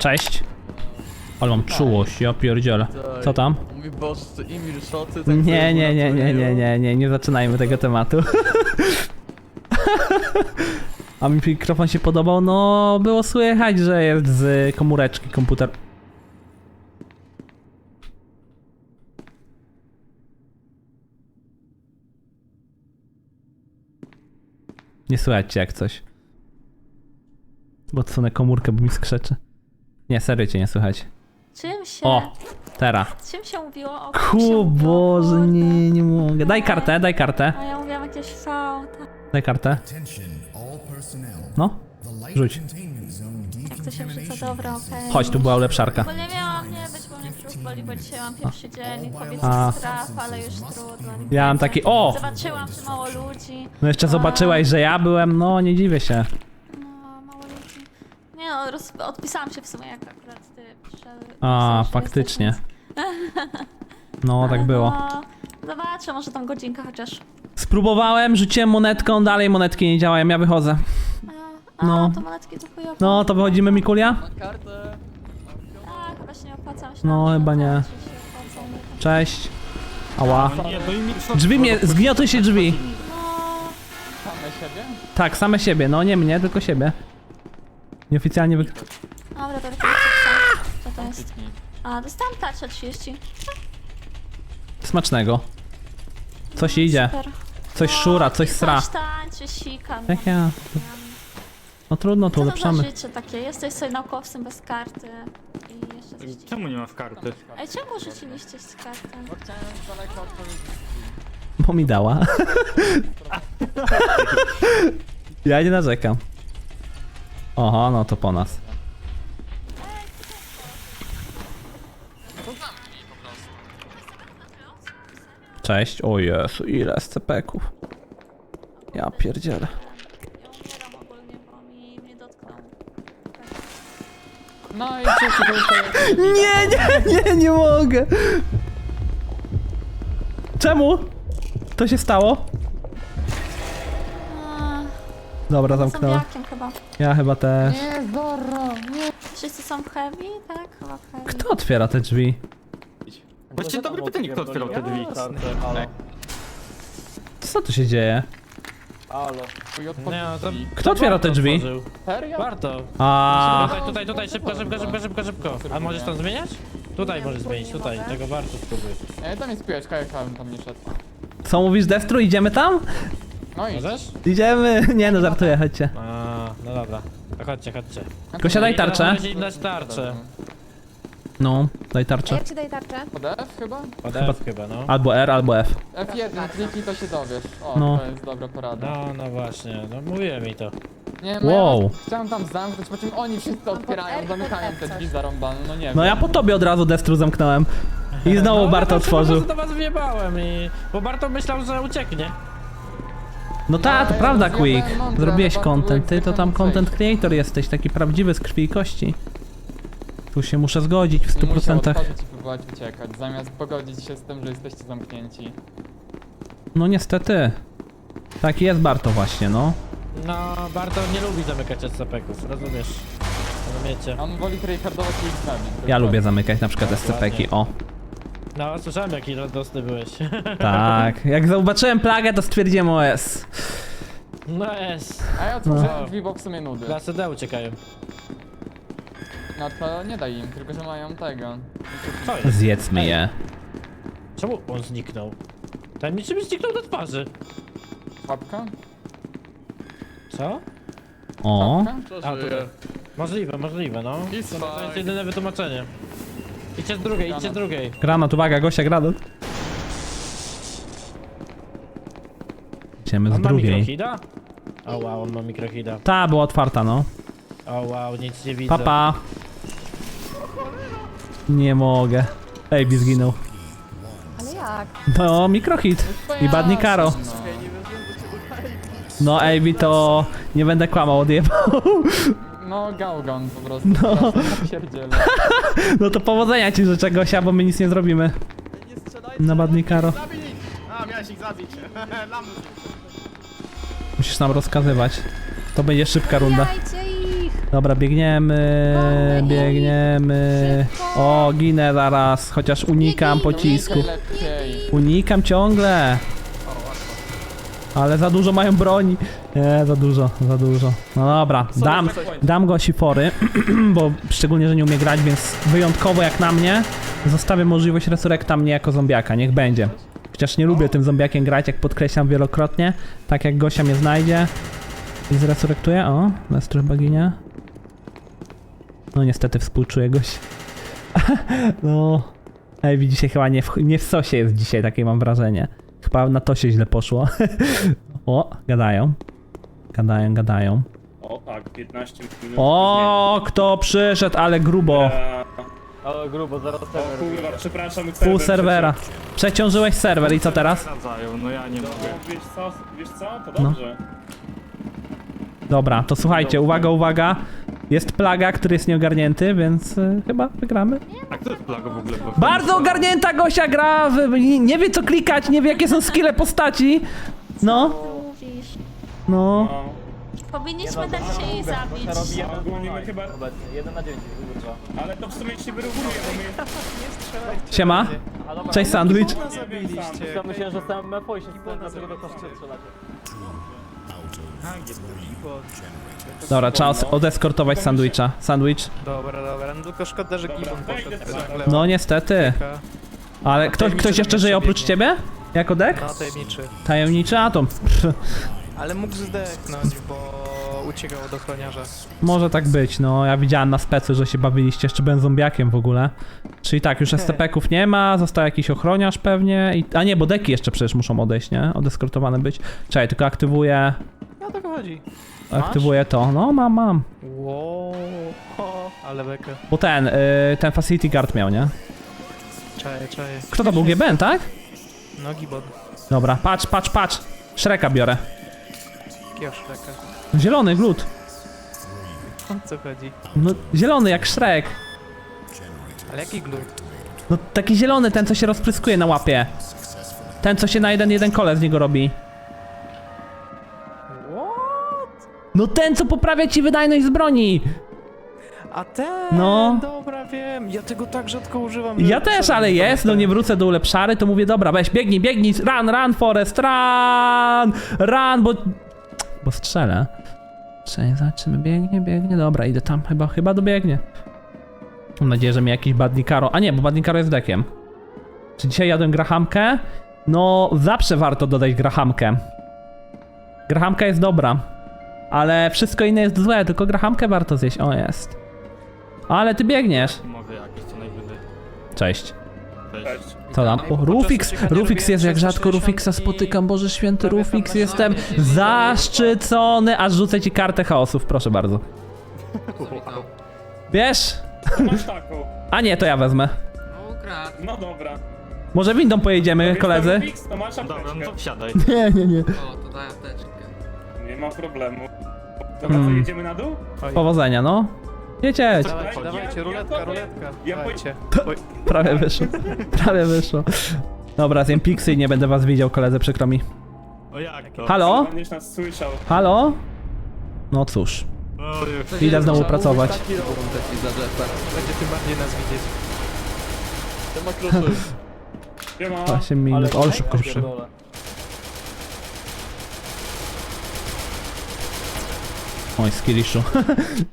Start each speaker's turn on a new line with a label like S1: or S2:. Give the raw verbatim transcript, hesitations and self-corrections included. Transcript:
S1: Cześć. Ale mam czułość, ja pierdzielę. Co tam?
S2: Mój Boże, to Emil Szoty, tak
S1: Nie, nie, nie, nie, nie, nie, nie, nie zaczynajmy tego tematu. A mi mikrofon się podobał? No, było słychać, że jest z komóreczki komputer. Nie słychać cię jak coś. Bo odsunę komórkę, bo mi skrzeczy. Nie, serio cię nie słychać.
S3: Czym się...
S1: O, teraz.
S3: Czym się mówiło? O,
S1: Ku Boże, nie, nie mogę. Daj kartę, daj kartę.
S3: A ja mówiłam jakieś fałta.
S1: Daj kartę. No, rzuć.
S3: Jak to się wrzuca? Dobra, okej.
S1: Chodź, tu była ulepszarka.
S3: Bo nie miałam nie być, bo mnie brzuch boli, bo dzisiaj mam pierwszy dzień.
S1: A.
S3: Powiedz strach, ale już trudno. nie
S1: Ja mam
S3: wiedzę.
S1: taki, o!
S3: Zobaczyłam, że mało ludzi.
S1: No jeszcze zobaczyłaś, że ja byłem, no nie dziwię się.
S3: No, mało ludzi. Nie no, roz... odpisałam się w sumie, jak akurat ty przyszedł.
S1: A,
S3: że
S1: faktycznie.
S3: jesteś,
S1: No, tak
S3: więc-
S1: było.
S3: No, zobaczę, może tam godzinka chociaż.
S1: Spróbowałem, rzuciłem monetką, dalej monetki nie działają, ja wychodzę.
S3: A,
S1: No.
S3: to monetki to chujowo.
S1: No, to wychodzimy, Mikulia?
S2: Na kartę.
S3: A, chyba się nie opłaca. Myślałam,
S1: No,
S3: że
S1: chyba nie.
S3: opłaca, że się opłaca, nie?
S1: Cześć. Ała.
S4: Nie, bo im
S1: Drzwi mnie, zgniotły się drzwi.
S3: No,
S2: Same siebie?
S1: Tak, same siebie, no nie mnie, tylko siebie. Nieoficjalnie wy...
S3: dobra, to tylko co to jest? A, dostałam tarczę trzydzieści.
S1: Smacznego. Coś idzie.
S3: Super.
S1: Coś szura, coś sra.
S3: Coś tańczy, sika. no.
S1: Jak ja? No trudno, tu
S3: Co to za
S1: ulepszamy.
S3: życie takie? Jesteś sobie naukowcem bez karty. I jeszcze coś ci...
S4: Czemu nie masz karty?
S3: Ej, czemu rzuciliście z kartę?
S2: Bo chciałem z daleka odpowiedzieć.
S1: Bo mi dała. Ja nie narzekam. Oho, no to po nas. Cześć, o Jezu, ile S C P-ków. Ja pierdzielę.
S3: Ja umieram ogólnie, bo mi mnie dotknął.
S2: No i cóż, to już
S1: Nie, nie, nie, nie mogę. Czemu? To się stało?
S3: A,
S1: Dobra, zamknąłem.
S3: zombiakiem chyba.
S1: Ja chyba też.
S2: Nie, Zorro, nie.
S3: Wszyscy są heavy, tak? Chyba heavy.
S1: Kto otwiera te drzwi?
S4: Właściwie dobre pytanie, kto otwierał te drzwi.
S1: Co tu się dzieje?
S2: Twój
S4: Nie,
S2: odpowiedź.
S4: no to...
S1: Kto otwiera te drzwi?
S4: otworzył.
S2: Serio?
S4: Warto.
S1: A,
S4: Tutaj, tutaj, tutaj, szybko, szybko, szybko, szybko, szybko. A możesz tam zmieniać? Tutaj możesz zmienić, tutaj. Tego warto spróbuj.
S2: Nie, tam jest piłeczka, ja bym tam nie szedł.
S1: co mówisz, Destru? Idziemy tam?
S2: No i...
S4: Możesz?
S1: Idziemy. Nie no, żartuję, chodźcie.
S4: A, no dobra. To chodźcie, chodźcie.
S1: Gosia, daj tarczę.
S4: Możecie im dać tarczę.
S1: No, daj
S5: A
S1: tarczę.
S5: jak ci daj tarczę?
S2: Pod F chyba?
S4: Pod F chyba, no.
S1: Albo R, albo F.
S2: F jeden, kliknij to się dowiesz. O,
S1: No.
S2: to jest dobra porada.
S4: No, no właśnie, no mówiłem mi to.
S2: Nie, no
S1: Wow.
S2: ja chciałem tam zamknąć, po czym oni wszyscy otwierają, zamykają te drzwi zarąbane, no nie wiem.
S1: No ja po tobie od razu Destru zamknąłem. I znowu
S4: no,
S1: Barto
S4: no,
S1: otworzył.
S4: do was wjebałem i... Bo Barto myślał, że ucieknie.
S1: No ta, to
S2: ja
S1: prawda,
S2: zjadłem
S1: Quick.
S2: mądre,
S1: Zrobiłeś
S2: ale Bartu
S1: content. Ty to
S2: zwykle
S1: tam
S2: nie
S1: content
S2: przejść.
S1: creator jesteś, taki prawdziwy z krwi i kości. Tu się muszę zgodzić w stu
S2: Musiał
S1: procentach.
S2: otworzyć i próbować uciekać, zamiast pogodzić się z tym, że jesteście zamknięci.
S1: No niestety. Taki jest Barto właśnie, no.
S4: No, Barto nie lubi zamykać S C P-ków, rozumiesz? Rozumiecie?
S2: On woli tryhardować i ich zabić.
S1: Ja lubię zamykać na przykład S C P-ki, o.
S4: No, słyszałem jaki radosny byłeś.
S1: Tak, jak zobaczyłem plagę, to stwierdziłem O S.
S4: No jest.
S2: A ja otworzyłem
S4: No.
S2: drzwi, bo w sumie nudy.
S4: Klasy D uciekają.
S2: No to nie daj im, tylko że mają tego.
S4: Co jest?
S1: Zjedzmy je.
S4: Czemu on zniknął? Tajemniczy mi zniknął do twarzy.
S2: Czapka?
S4: Co?
S1: O.
S2: Czapka?
S4: A, tutaj. Możliwe, możliwe, no. To, to jest jedyne wytłumaczenie. Idźcie z drugiej, idźcie z drugiej.
S1: Granat, uwaga, Gosia, granat. Idziemy z
S4: On ma
S1: drugiej.
S4: mikrohida? O wow, on ma mikrohida.
S1: Ta była otwarta, no.
S4: O wow, nic nie widzę.
S1: Papa. Nie mogę. Ejbi zginął.
S5: Ale jak?
S1: No, mikrohit. I badni karo. No, Ejbi to... Nie będę kłamał, odjebał.
S2: No, Gaugan po prostu.
S1: No.
S2: No. Pierdziele.
S1: No to powodzenia ci życzę, Gosia, bo my nic nie zrobimy. Na badni karo.
S6: A, miałeś ich zabić. Lamus.
S1: Musisz nam rozkazywać. To będzie szybka runda.
S5: Zabijajcie ich!
S1: Dobra, biegniemy,
S3: Wolniej.
S1: biegniemy.
S3: Szybko.
S1: O, ginę zaraz, chociaż unikam
S3: Biegnij,
S1: pocisku.
S2: Będzie lepiej.
S1: Unikam ciągle. Ale za dużo mają broni. Nie, za dużo, za dużo. No dobra, dam, dam go sifory, bo szczególnie, że nie umie grać, więc wyjątkowo jak na mnie, zostawię możliwość resurrekta mnie jako zombiaka, niech będzie. Chociaż nie lubię tym zombiakiem grać, jak podkreślam wielokrotnie. Tak jak Gosia mnie znajdzie i zresurrektuje. O, Lestro chyba ginie. No niestety współczuję Goś. No. Ej, widzi się chyba nie w, nie w sosie jest dzisiaj, takie mam wrażenie. Chyba na to się źle poszło. O, gadają. Gadają, gadają.
S7: O tak, piętnaście minut.
S1: O, kto przyszedł, ale grubo.
S7: Eee,
S4: Ale grubo, zaraz
S7: o kurwa, przepraszam.
S1: Pół
S7: serwer
S1: serwera. Przeciążyłeś serwer i co teraz?
S7: No wiesz co, wiesz co? To
S1: No.
S7: dobrze.
S1: Dobra, to słuchajcie, uwaga, uwaga. Jest plaga, który jest nieogarnięty, więc y, chyba wygramy.
S7: A kto jest plaga w ogóle?
S1: Bardzo ogarnięta Gosia gra, w, nie, nie wie co klikać, nie wie jakie są skille postaci. No,
S3: Mówisz.
S1: no.
S7: No,
S3: Powinniśmy dać się jej zabić.
S7: a ogólnie my chyba...
S4: jeden na dziewięć,
S7: Ale to w sumie się wyrównuje, bo my jesteśmy...
S1: Siema. Cześć sandwich.
S7: Zabiliście.
S4: Ja myślałem, że sam M F O i się dlaczego do koszty strzelacie.
S1: Dobra, trzeba os- odeskortować sandwicha. Sandwich.
S8: Dobra, dobra, no tylko szkoda, że Gibbon
S7: Dobra,
S8: poszedł
S7: wejdę
S8: tak w
S7: sobie.
S8: lewo.
S1: No niestety. Ale ktoś, ktoś jeszcze żyje oprócz ciebie? Jako dek?
S8: No, tajemniczy.
S1: Tajemniczy atom. Pff,
S8: Ale mógł zdechnąć, bo uciekał od ochroniarza.
S1: może tak być, no ja widziałem na specu, że się bawiliście, jeszcze byłem zombiakiem w ogóle. Czyli tak, już S C P-ków nie ma, został jakiś ochroniarz pewnie i... A nie, bo deki jeszcze przecież muszą odejść, nie? Odeskortowane być. Czekaj, tylko aktywuję...
S8: No o to chodzi.
S1: Aktywuję to. No, mam, mam.
S8: Wow, o, ale bekę.
S1: Bo ten, y, ten Facility Guard miał, nie?
S8: Czaję, czaję.
S1: Kto to był? G B N, tak?
S8: No Gibbon.
S1: Dobra, patrz, patrz, patrz. Shreka biorę.
S8: Jakiego Shreka?
S1: Zielony glut.
S8: O co chodzi?
S1: No, zielony jak Shrek.
S8: Ale jaki glut?
S1: No, taki zielony, ten co się rozpryskuje na łapie. Ten co się na jeden, jeden kole z niego robi.
S8: What?
S1: No ten co poprawia ci wydajność z broni.
S8: A ten!
S1: No.
S8: Dobra, wiem. Ja tego tak rzadko używam. że
S1: Ja też,
S8: sam
S1: ale
S8: nie
S1: jest, no
S8: pamiętam.
S1: nie wrócę do ulepszary, to mówię, dobra, weź, biegnij, biegnij, run, run, Forest, run, run, bo... Bo strzelę. Czekaj, zobaczymy, biegnie, biegnie, dobra, idę tam, chyba, chyba dobiegnie. Mam nadzieję, że mi jakiś Badnikaro, a nie, bo Badnikaro jest dekiem. Czy dzisiaj jadłem grahamkę? No, zawsze warto dodać grahamkę. Grahamka jest dobra, ale wszystko inne jest złe, tylko grahamkę warto zjeść, o jest. Ale ty biegniesz.
S7: Mogę jakiś co najwyżej.
S1: Cześć.
S7: Cześć.
S1: Co tam? O, Rufix!
S8: uciekania
S1: Rufix
S8: robiłem
S1: jest, jak rzadko
S8: trzysta
S1: Rufixa
S8: sześćdziesiąt i
S1: spotykam, Boże Święty,
S8: prawie
S1: Rufix,
S8: tam
S1: jestem
S8: na
S1: zaszczycony, aż rzucę ci kartę chaosów, proszę bardzo. Wiesz?
S7: Masz taką.
S1: A nie, to ja wezmę.
S7: No dobra.
S1: Może windą pojedziemy, koledzy?
S7: Fix, to masz apteczkę. Dobra, no to wsiadaj.
S1: Nie, nie, nie.
S9: O, to daj apteczkę.
S7: Nie ma problemu. Dobra,
S1: Mm.
S7: to jedziemy na dół?
S1: Powodzenia, no. Jedź,
S8: Dawajcie,
S7: Ja-
S8: dawajcie,
S7: ja-
S8: ruletka,
S7: ja-
S8: ruletka.
S7: ja-
S8: Dawajcie. Oj,
S1: prawie wyszło. Prawie wyszło. Dobra, zjem piksy i nie będę was widział, koledzy, przykro mi.
S7: O jak to?
S1: Halo?
S7: Będziesz nas słyszał.
S1: Halo? No cóż, idę znowu pracować.
S2: Taki robot taki za Jeffa.
S8: będzie tym bardziej nas widzieć.
S2: To ma kluczy.
S7: Siema.
S1: osiem minut, ale szybko się przy... Oj, skilliszu.